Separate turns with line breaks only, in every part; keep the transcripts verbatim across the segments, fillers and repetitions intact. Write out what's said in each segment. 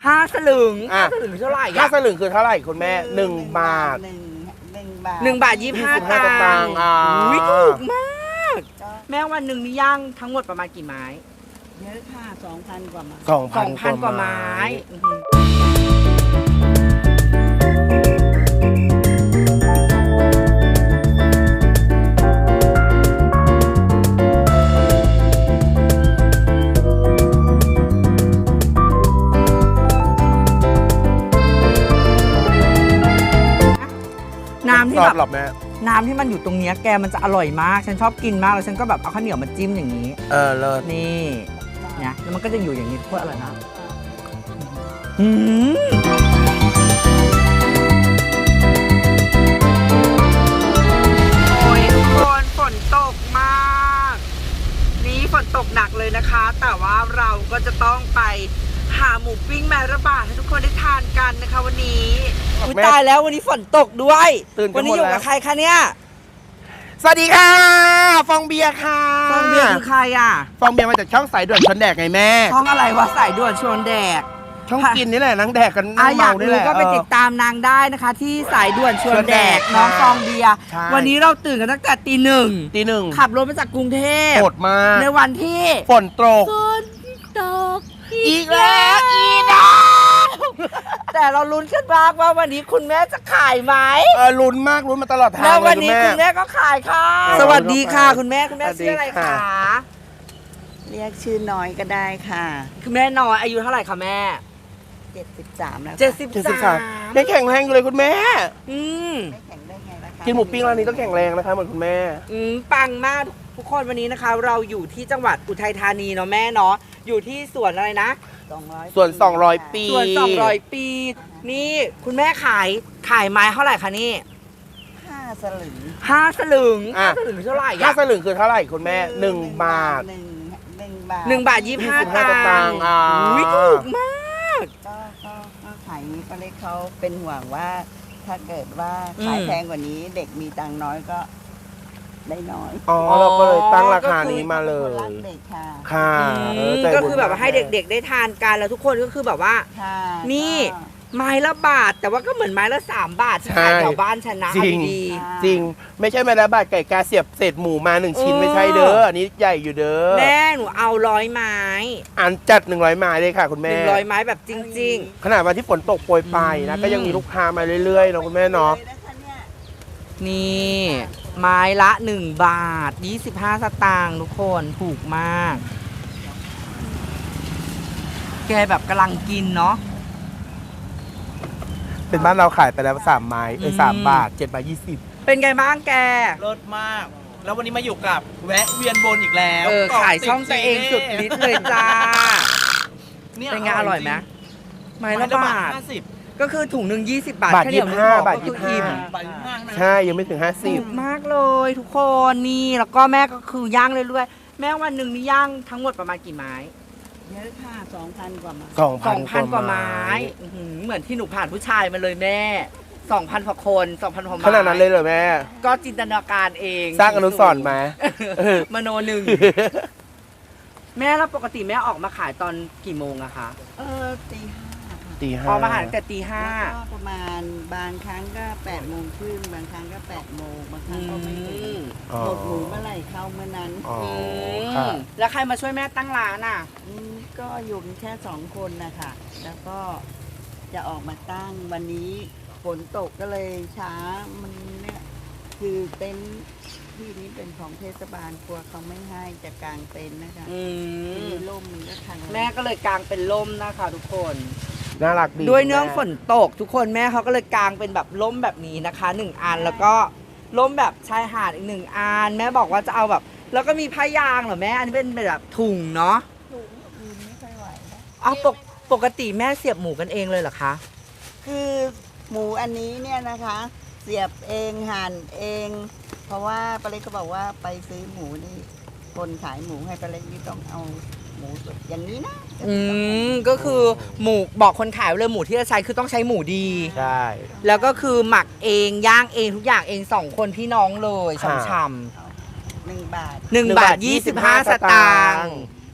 ห้าสลึงห้าสลึงเท่าไหร่
ห้าสลึงคือเท่าไหร่คุณแม่หนึ่งบาท
หนึ่งหนึ่งบาท
หนึ่งบาทยี่สิบห้าตังค์อุ้ยถูกมากแม่วันหนึ่งนี่ย่างทั้งหมดประมาณกี่ไม้
เยอะค่ะสองพันกว่าไม้
สองพัน
กว่าไม้น้ำที่แบบน้ำที่มันอยู่ตรงนี้แกมันจะอร่อยมากฉันชอบกินมากแล้วฉันก็แบบเอาข้าวเหนียวมาจิ้มอย่างนี้
เออเลิศ
นี่เนี่ยแล้วมันก็จะอยู่อย่างนี้โคตรอร่อยนะอืมโอ้ยทุกคนฝนตกมากนี่ฝนตกหนักเลยนะคะแต่ว่าเราก็จะต้องไปหาหมูปิ้งแมระบาดให้ทุกคนได้ทานกันนะคะวันนี้อุ๊ยตายแล้ววันนี้ฝนตกด้วยวันนี้อยู่กับใครคะเนี่ย
สวัสดีค่ะฟองเบียร์ค่ะ
ฟองเบียร์คือใครอ่ะ
ฟองเบียร์มาจากช่องสายด่วนชวนแดกไงแม่
ช่องอะไรวะสายด่วนชวนแดก
ช่องกินนี่แหละนั่งแดกกัน
นั่งเมานี่แหละก็ไปติดตามนางได้นะคะที่สายด่วนชวนแดกน้องฟองเบียร์วันนี้เราตื่นกันตั้งแต่ตีหนึ่ง
ตีหนึ่ง
ขับรถมาจากกรุงเทพ
โหดมาก
ในวันที่
ฝนตก
ฝนตกอีกแล้วอีน้องแต่เราลุ้นขึ้นมากว่าวันนี้คุณแม่จะขายไหม
เออลุ้นมากลุ้นมาตลอดทาง
แล้ววันนี้คุณแม่ก็ขายค่ะสวัสดีค่ะคุณแม่คุณแม่ชื่ออะไรคะ
เรียกชื่อน้อยก็ได้ค่ะ
คุณแม่น้อยอายุเท่าไหร่คะแม่
เจ็ดสิบสามแล้ว
เจ็ดสิบสาม
ยังแข็งแรงอยู่เลยคุณแม่
อืม
ไม่แข็งได้ไงล่ะคะ
กินหมูปิ้งร้านนี้ต้องแข็งแรงนะคะเหมือนคุณแม่
อืมปังมากทุกคนวันนี้นะคะเราอยู่ที่จังหวัดอุทัยธานีเนาะแม่เนาะอยู่ที่สวนอะไรนะ
ส่วนสองร้อยปี
ส่วนสองร้อยปีนี่คุณแม่ขายขายไม้เท่าไหร่คะนี่
ห้าสลึง
ห้าสลึงห้าสลึงเท่าไหร่
ห้าสลึงคือเท่าไหร่คุณแม่หนึ่งบาท
หนึ่งหนึ่งบาท
หนึ่งบาทยี่สิบห้าตังค์อุ้ยถูกมาก
ก็ก็ก็ขายนี้ป้าเล็กเขาเป็นห่วงว่าถ้าเกิดว่าขายแพงกว่านี้เด็กมีตังค์น้อยก็ได้น้อย
อ๋อเราก็เลยตั้งราคานี้มาเลย
รักเด็กค่ะ
ค่ะ
ก็คือแบบว่าให้เด็กๆได้ทานกันแล้วทุกคนก็คือแบบว่านี่ไม้ละบาทแต่ว่าก็เหมือนไม้ละสามบาทที่ขายแถวบ้านฉันนะ
จริงจริงไม่ใช่ไม้ละบาทไก่กาเสียบเศษหมูมาหนึ่งชิ้นไม่ใช่เด้ออันนี้ใหญ่อยู่เด้อ
แม่หนูเอาร้อยไม้
อันจัดหนึ่งร้อยไม้เลยค่ะคุณแม่
หนึ่งร้อยไม้แบบจริง
ๆขนาดวันที่ฝนตกโปรยปลายนะก็ยังมีลูกค้ามาเรื่อยๆเนาะคุณแม่เนาะ
นี่ไม้ละหนึ่งบาทยี่สิบห้าสตางค์ทุกคนถูกมากแกแบบกำลังกินเนาะ
เป็นบ้านเราขายไปแล้วสามไม้เออสามบาทเจ็ดบาทยี่สิบ
เป็นไงบ้างแก
เลิศมากแล้ววันนี้มาอยู่กับแวะเวียนบนอีกแล้ว
เออขายช่องตัวเองสุดฤทธิ์เลยจ้าเป็นไงอร่อยไหมไม้ละบาทก็คือถุงหนึ่งยี่สิบบาท
บาทยี่สิบห้าบาทยี่สิบห้าใช่ยังไม่ถึงห้าสิบ
มากเลยทุกคนนี่แล้วก็แม่ก็คือย่างเรื่อยๆแม่วันหนึ่งนี่ย่างทั้งหมดประมาณกี่ไม้
เยอะค่ะสองพันกว่าไม้
สองพัน
กว่าไม้เหมือนที่หนูผ่านผู้ชายมาเลยแม่สองพันกว่าคนสองพันกว่าไม้
ขนาดนั้นเลยเหรอแม่
ก็จินตนาการเอง
สร้างอนุสรณ์ม
ามโนหนึ่งแม่แล้วปกติแม่ออกมาขายตอนกี่โมงอะคะ
เออตีห้า
ตีห้า
พอมาหาแต่ตีห้า
ประมาณบางครั้งก็แปดโมงครึ่งบางครั้งก็แปดโมงบางครั้งก็ไม่ถึงหมดหมูเมื่อไหร่เข้าเมื่อนั้น
แล้วใครมาช่วยแม่ตั้งร้านอ่ะ
ก็อยู่แค่สองคนนะคะแล้วก็จะออกมาตั้งวันนี้ฝนตกก็เลยช้ามันเนี่ยคือเต็นท์ที่นี้เป็นของเทศบาลกลัวเขาไม่ให้จะกางเต็นท์นะคะมีร่มมีก็ทาง
แม่ก็เลยกางเป็นร่มนะคะทุกคน
น่ารักดี
ด้วยเนื่องฝนตกทุกคนแม่เขาก็เลยกางเป็นแบบร่มแบบนี้นะคะหนึ่งอันแล้วก็ร่มแบบชายหาดอีกหนึ่งอันแม่บอกว่าจะเอาแบบแล้วก็มีผ้ายางเหรอแม่อันนี้เป็นแบบถุงเนาะ
ถุงอืมไม่ค่อยไหวนะ
อ้าวปกติแม่เสียบหมูกันเองเลยเหรอคะ
คือหมูอันนี้เนี่ยนะคะเสียบเองหั่นเองเพราะว่าป้าเล็กก็บอกว่าไปซื้อหมูนี่คนขายหมูให้ป้าเล็กนี่ต้องเอาหมูสดอย่างนี้นะ
อืมก็คือหมูบอกคนขายเลยหมูที่จะใช้คือต้องใช้หมูดี
ใช่
แล้วก็คือหมักเองย่างเองทุกอย่างเองสองคนพี่น้องเลยช่ำๆ
หนึ่งบาท
หนึ่งบาทยี่สิบห้าสตางค์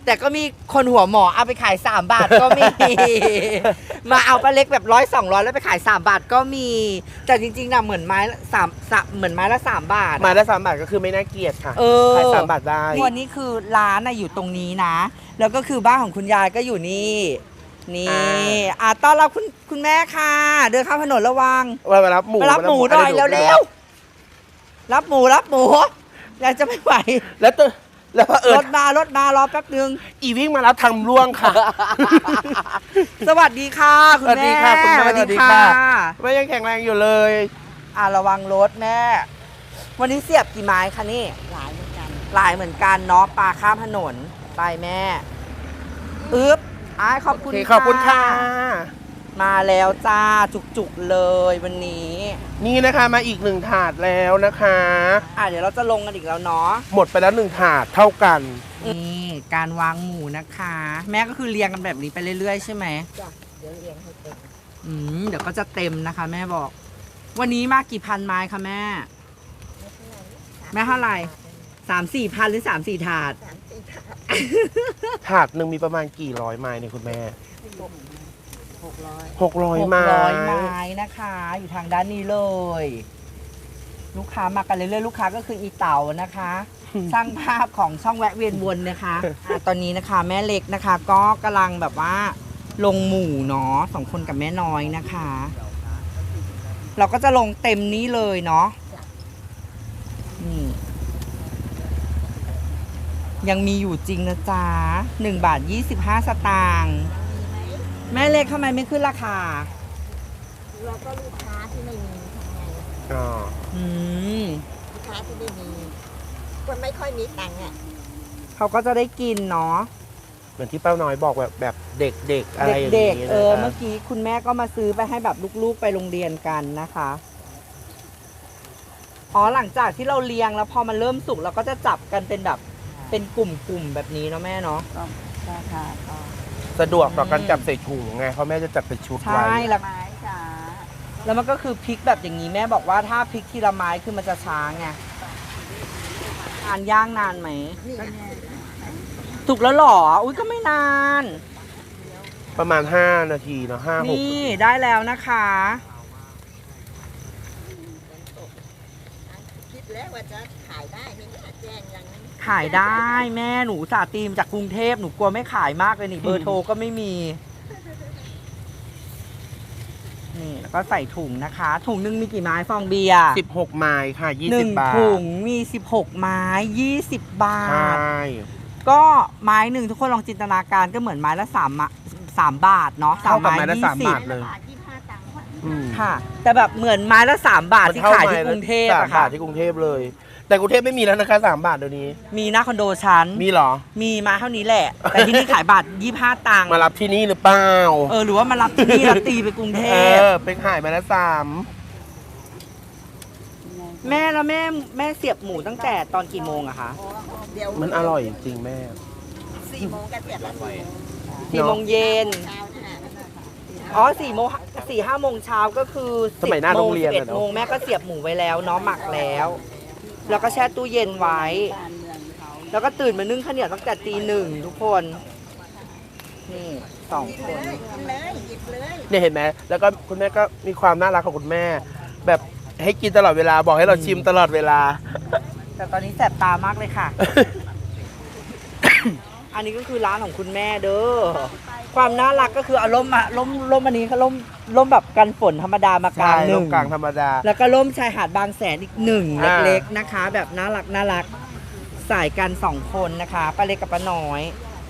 แต่ก็มีคนหัวหมอเอาไปขายสามบาทก็มี มาเอาปลาเล็กแบบร้อยสองร้อยแล้วไปขายสามบาทก็มี แต่จริงๆนะเหมือนไม้ละสามสามเหมือนไม้ละสามบาท
มาได้สามบาทก็คือไม่น่าเกลียดค่ะ
เออ
ขายสามบาทได้
วันนี้คือร้านน่ะอยู่ตรงนี้นะ แล้วก็คือบ้านของคุณยายก็อยู่นี่ นี่อ่ะต้อนรับคุณคุณแม่ค่ะ เดินข้ามถนนระวัง
มามารับหมู
มารับหมูหน่อย
มา
เร็วๆรับหมูรับหมูยายจะไม่ไหว
ๆแล้วตัวแล้วพอเอิ
ร
ญ
ถมารถมารอแป๊บนึง
อีวิ่งมารับทำร่วงค่ะ
สวัสดีค่ะคุณ
สวัส
แม่
ดีค่ะคุณแม่
สวัส
สวัสดี
ดี
ค่ะ
ค่ะ
แม่ยังแข็งแรงอยู่เลย
อ่ะระวังรถแม่ วันนี้เสียบกี่ไม้คะนี่
หลายเหมือนกัน
หลายเหมือนกันเนาะปลาข้ามถนนไปแม่อึ๊บอ้ายขอบคุณ
โอเคขอบคุณค่ะ
มาแล้วจ้าจุกๆเลยวันนี้
นี่นะคะมาอีกหนึ่งถาดแล้วนะคะ
อ่ะเดี๋ยวเราจะลงกันอีกแล้วเนาะ
หมดไปแล้วหนึ่งถาดเท่ากัน
นี่การวางหมูนะคะ แม่ก็คือเรียงกันแบบนี้ไปเรื่อยๆใช่ไหม
จ้ะเดี๋ยวเรียงให้เต็ม
อืมเดี๋ยวก็จะเต็มนะคะ แม่บอก วันนี้มากี่พันไม้คะแม่ แม่เท่าไหร่สามสี่พันหรือสามสี่ถาด
สามสี่ถาด
ถาดหนึ่งมีประมาณกี่ร้อยไม้เนี่ยคุณแม่
หกร้อย
หกร้อย
หก
ไม้
ร้อยไม้นะคะ อยู่ทางด้านนี้เลย ลูกค้ามากันเรื่อยๆลูกค้าก็คืออีเต๋านะคะ สร้างภาพของช่องแวะเวียนวนนะคะอ่ะตอนนี้นะคะแม่เล็กนะคะ ก็กำลังแบบว่าลงหมู่เนาะสองคนกับแม่น้อยนะคะ เราก็จะลงเต็มนี้เลยเนาะนี่ยังมีอยู่จริงนะจ๊ะหนึ่งบาทยี่สิบห้าสตางค์แม่เล็กทำไมไม่ขึ้นราคา
แล้วก็ลูกค้าที่ไม่มีทำไง
อ๋อ
อืม
ลูกค้าที่ไม่มีคนไม่ค่อยมีตังค์อ่ะ
เขาก็จะได้กินเนาะ
เหมือนที่ป้าน้อยบอกแบบแบบเด็กๆอะไรอย่าง
เด็ก
นี้
ๆ เออ
นะคะ
เมื่อกี้คุณแม่ก็มาซื้อไปให้แบบลูกๆไปโรงเรียนกันนะคะ อ๋อหลังจากที่เราเลี้ยงแล้วพอมันเริ่มสุกเราก็จะจับกันเป็นแบบเป็นกลุ่มๆแบบนี้เนาะแม่เนาะ
ก็ราคาก็
สะดวกต่อการจับใส่ถุงไงเพราะแม่จะจัดเป็นชุด
ใช่
ไว้
แล้ว
ไม้จ้า
แล้วมันก็คือพริกแบบอย่างนี้แม่บอกว่าถ้าพริกทีละไม้คือมันจะช้าไงทานย่างนานไหม
นี่ไง
สุกแล้วเหรอ อุ้ยก็ไม่นาน
ประมาณห้านาทีเนาะห้าหก
นี่ได้แล้วนะคะ
คิดแล้วว่าจะขายได้ไม่ได้แจ้งยัง
ขายได้แม่หนูสาตีมจากกรุงเทพหนูกลัวไม่ขายมากเลยนี่เบอร์โทรก็ไม่มี นี่แล้วก็ใส่ถุงนะคะ ถุงหนึงมีกี่ไม้ฟองเบียร์
สิบหกไม้ค่ะยี่
ห
สิ
นึ่
บ
ง
บาท
ถุงมีสิบหกไม้ยี่สิบบา
ใช
ท
่
ก็ไม้หนึ่งทุกคนลองจินตนาการก็เหมือนไม้ละสามอะสามบาทเนาะสาม
เท่ากับ
ไม้
ไม้ละ
ยี่
สาม
สิบบ
าทเลย
บาทยี่สิบห้าตังค์
อืม
ค่ะ แต่แบบเหมือนไม้ละสามบาทที่ขายที่กรุงเทพ
สาม
อะ
บา
ค่ะ
ทที่กรุงเทพเลย แต่กรุงเทพไม่มีแล้วนะคะสามบาทเดี๋ยวนี้
มีหน้าคอนโดชั้น
มีเหรอ
มีมาเท่านี้แหละ แต่ที่นี่ขายบาทยี่ห้าตังค์
มารับที่นี่หรือเปล่า
เออหรือว่ามารับที่นี่แล้วตีไปกรุงเท
เอ
พ
อเป็นขายมาแล้วสาม
แม่แล้วแม่แม่เสียบหมูตั้งแต่ตอนกี่โมงอะคะ
เดี๋ยว
มันอร่อยจริงๆแม่
สี่โมงก็เสร็จแล้วสี่โมง
สี่โมงเย็น
เช้านะ
อ๋อสี่โมงสี่ห้าโมงเช้าก็คือ
สมัยหน้าโรงเรียน
สิบเอ็
อะ
ด
เนอะ
โมงแม่ก็เสียบหมูไว้แล้วเนาะหมักแล้ว แล้วก็แช่ตู้เย็นไว้
การเมืองเขา
แล้วก็ตื่นมานึ่งข้าวเหนียวตั้งแต่ตีหนึ่งทุกคน นี่สองคน
เลยเลยหยิบเลย
เนี่ยเห็นไหมแล้วก็คุณแม่ก็มีความน่ารักของคุณแม่ แบบให้กินตลอดเวลาบอกให้เราชิมตลอดเวลา
แต่ตอนนี้แสบตามากเลยค่ะ อันนี้ก็คือร้านของคุณแม่เด้อ ความน่ารักก็คือเอาร่มมาร่มร่มอันนี้ก็ร่มร่มแบบกันฝนธรรมดามากลา
ใช่
งห
ลู
นึ่
ก
ง
กลางธรรมดา
แล้วก็ร่มชายหาดบางแสนอีกหนึ่ง
อ่า
เล็กๆนะคะ แบบน่ารักน่ารักสายกันสองคนนะคะป้าเล็กกับป้าน้อย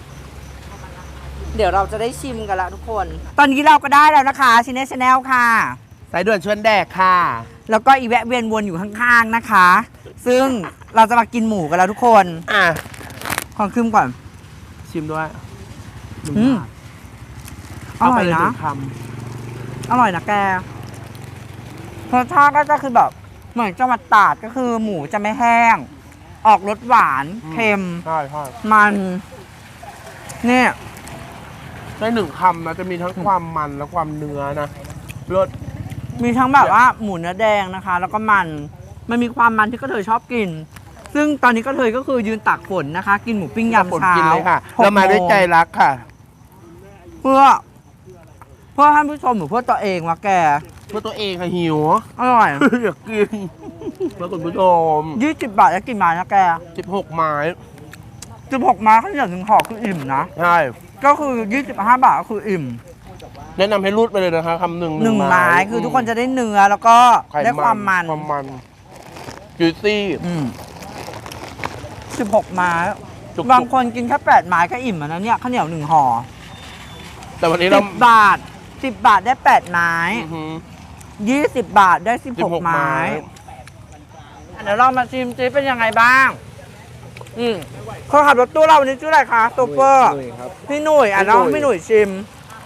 เดี๋ยวเราจะได้ชิมกันละทุกคน ตอนนี้เราก็ได้แล้วนะคะชินเนชแนลค่ะ
สายด่วนชวนแดกค่ะ
แล้วก็อีแวะเวียนวนอยู่ข้างๆนะคะ ซึ่งเราจะมากินหมูกันแล้วทุกคน
อ่ะ
ขอคืมก่อน
ชิมด้วย
อืม อ
เอา
ร่
ไป
อย
เลยห
นะ
นึ่งค
อร่อยนะแกรสชาติก็จะคือแบบเหมือนจังหวัดตราดก็คือหมูจะไม่แห้ง ออกรสหวานเค็ม
ำใช่ใช่
มันเนี่ย
ได้หนึ่งคำนะจะมีทั้งความมันและความเนื้อนะรส
มีทั้งแบบว่าหมูเนื้อแดงนะคะ แล้วก็มัน มันมีความมันที่ก็เธอชอบกินซึ่งตอนนี้ก็เลยก็คือยืนตากฝนนะคะ กินหมูปิ้งยาม
ฝน
เช้า
กินเลยค่ะ
หก
เรามาด้วย
โง
ใจรักค่ะ
เพื่อ เพื่อท่านผู้ชมหรือเพื่อตัวเองวะแก
เพื่อตัวเองค่ะหิว
อร่อย
อยากกินเพื่อคุณผู้ชม
ยี่สิบบาทแล้วกินไม้นะแก
สิบหกไม้
สิบหกไม้ข้าวเหนียวหนึ่งห่อคืออิ่มนะ
ใช่
ก็คือยี่สิบห้าบาทก็คืออิ่ม
แนะนำให้รูดไปเลยนะคะคำหนึ่ง
หนึ่งไม้คือทุกคนจะได้เนื้อแล้วก็
ไข่
ได้ความมัน
ความมันจูซี่
อืมสิบหกไม้
จุกๆ
บางคนกินแค่แปดไม้ก็อิ่มแล้วนะเนี่ยข้าวเหนียวหนึ่งห่อ
แต่วันนี้
สิ
เรา
บบาทสิบบาทได้แปดไม้
อื้อหือ
ยี่สิบบาทได้สิบ
สิ
ห
บ
ก
หก
ไม้
ไม้
อ่ะเดี๋ยวเรามาชิมซิเป็นยังไงบ้าง อืมคนขับรถตู้เราวันนี้ชื่ออะไรคะโตเปอร์พี่หนุ่ยอ่ะน้องพี่หนุ่ยชิม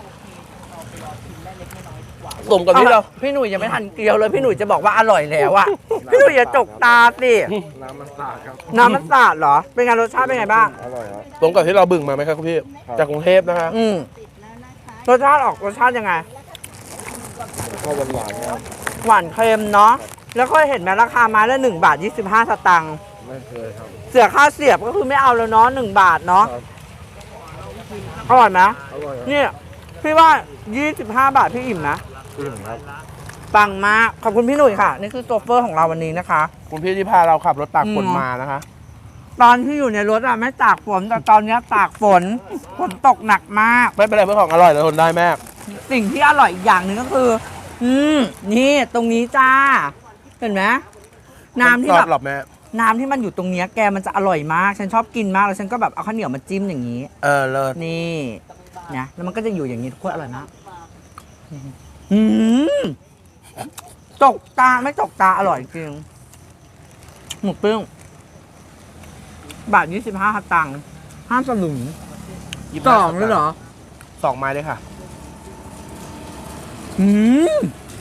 สมกับที่เรา
พี่หนุ่ยยังไม่ทันเกลียวเลยพี่หนุ่ยจะบอกว่าอร่อยแล้วอะพี่หนุ่ยอย่าจกตาสิ
น้ำมันสาดครับ
น้ำมันสาดเหรอ เป็นไงรสชาติเป็นไงบ้าง
อร่อยครับ
สมกับที่เราบึ่งมาไหมครับคุณพี่ จากกรุงเทพนะคะ
อืมรสชาติออกรสชาติยังไง
ก็หวานหวานๆครับ
หวานเค็มเนาะแล้วก็เห็นไหมราคาไม้ละหนึ่งบาทยี่สิบห้าสตางค์
ไม่เคยครับ
เสียค่าเสียบก็คือไม่เอาแล้วเนาะหนึ่งบาทเนาะ
ครับ
อร่อยไหม
อร่อยครับ
เนี่ยพี่ว่ายี่สิบห้าบาทพี่อิ่มนะ
ถึงครับ
ปังมากขอบคุณพี่หนุ่ยค่ะ นี่คือโซเฟอร์ของเราวันนี้นะคะ
คุณพี่ที่พาเราขับรถตากฝน
อืม
มานะคะ
ตอนที่อยู่ในรถอะไม่ตากฝนแต่ตอนเนี้ยตากฝนฝนตกหนักมาก
ไม่เป็นไรเพื่อของอร่อยเราทนได้แม่
สิ่งที่อร่อยอีกอย่างหนึ่งก็คือ อืมนี่ตรงนี้จ้า เห็นไหมน้ำที่
ช
แบ
อบบ หรอแม่
น้ำที่มันอยู่ตรงเนี้ยแกมันจะอร่อยมาก ฉันชอบกินมากแล้วฉันก็แบบเอาข้าวเหนียวมาจิ้มอย่างนี้
เออเลิศ
นี่นะแล้วมันก็จะอยู่อย่างนี้ทุกคนอร่อยมากอืมตกตาไม่ตกตาอร่อยจริงหมูปิ้งบาทยี่สิบห้าตังค์ห้ามสลึง
ยี่สิบ
ส
ห้า
องเลยเหรอ
สองไม้เลยค่ะ
อืม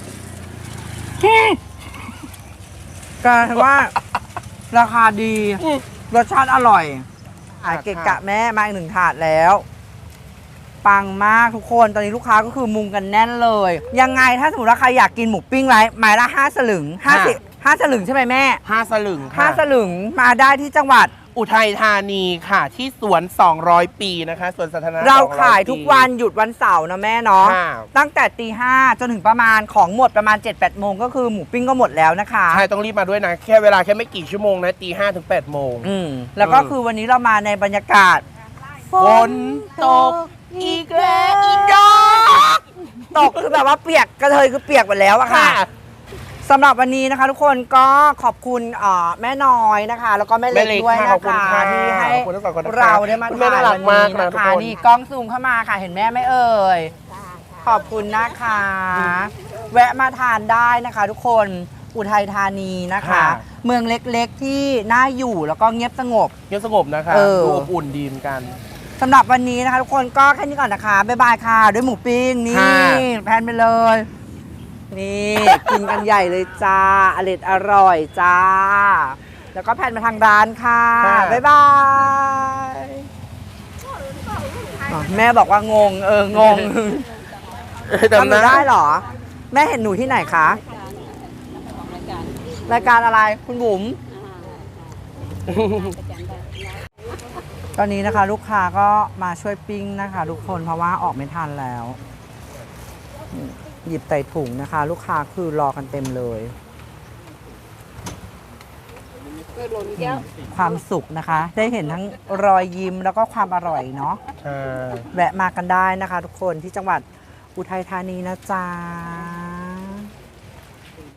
กลายว่า ราคาดี
อืม
รสชาติอร่อยขาย
ค่ะ
เกะกะแม่มาอีกหนึ่งถาดแล้ว ปังมากทุกคน ตอนนี้ลูกค้าก็คือมุงกันแน่นเลย ยังไงถ้าสมมติว่าใครอยากกินหมูปิ้งไรไม้ละห้าสลึงห้าสิบห้าสลึงใช่ไหมแม่
ห้าสลึง
ห้า
ค่ะ
สลึงมาได้ที่จังหวัด
อุทัยธานีค่ะ ที่สวนสองร้อยปีนะคะสวนสาธารณะ
เรา
สองร้อ
ขายทุกวันหยุดวันเสาร์นะแม่เนาะ
ค่ะ
ตั้งแต่ตีห้าจนถึงประมาณของหมดประมาณ เจ็ดแปดโมงก็คือหมูปิ้งก็หมดแล้วนะคะ
ใช่ต้องรีบมาด้วยนะ แค่เวลาแค่ไม่กี่ชั่วโมงนะตีห้าถึงแปดโมง
อืมแล้วก็
อืม
คือวันนี้เรามาในบรรยากาศ
ฝนตกอีกแล้วอีกดอก
ตกคือแบบว่าเปียกกระเทยคือเปียกหมดแล้วอะค่ะ
ค่ะ
สำหรับวันนี้นะคะ ทุกคนก็ขอบคุณเอ่อแม่น้อยนะคะ แล้วก็แม่เล็ก
แม่เล็ก
ด้วย
ค่ะ
นะ
ขอบคุณ
คะ
ค่ะ
ที่ให้
ขอบคุณทั้งสองคนนะคะ
เราได้มา
คุณแม่
ถ่าย
น่ารั
วั
ก
น
มาก
นี้
นะ
นะ
ทุก
คะ
คน
นี่กล้องซูมเข้ามาค่ะเห็นแม่ไหมเอ่ยขอบคุณนะคะ แวะมาทานได้นะคะ ทุกคนอุทัยธานีนะคะ
ค่ะ
เมืองเล็กๆที่น่าอยู่แล้วก็เงียบสงบ
เงียบสงบนะคะ
เออ
ดูอบอุ่นดีเหมือนกัน
สำหรับวันนี้นะคะทุกคนก็แค่นี้ก่อนนะคะ บ๊ายบายค่ะ ด้วยหมูปิ้งนี่
ค่ะ
แพนไปเลย นี่ กินกันใหญ่เลยจ้าอร่อยอร่อยจ้า แล้วก็แพนมาทางร้านค่ะ บ๊ายบายอ๋อแม่บอกว่างง เออ งงทำหนูได้เหรอ แม่เห็นหนูที่ไหนคะ รายการอะไรคุณบุ๋ม ตอนนี้นะคะ ลูกค้าก็มาช่วยปิ้งนะคะ ทุกคนเพราะว่าออกไม่ทันแล้ว หยิบใส่ถุงนะคะ ลูกค้าคือรอกันเต็มเลยความสุขนะคะ ได้เห็นทั้งรอยยิ้มแล้วก็ความอร่อยเนาะ
ใช่
แวะมากันได้นะคะ ทุกคนที่จังหวัดอุทัยธานีนะจ๊ะ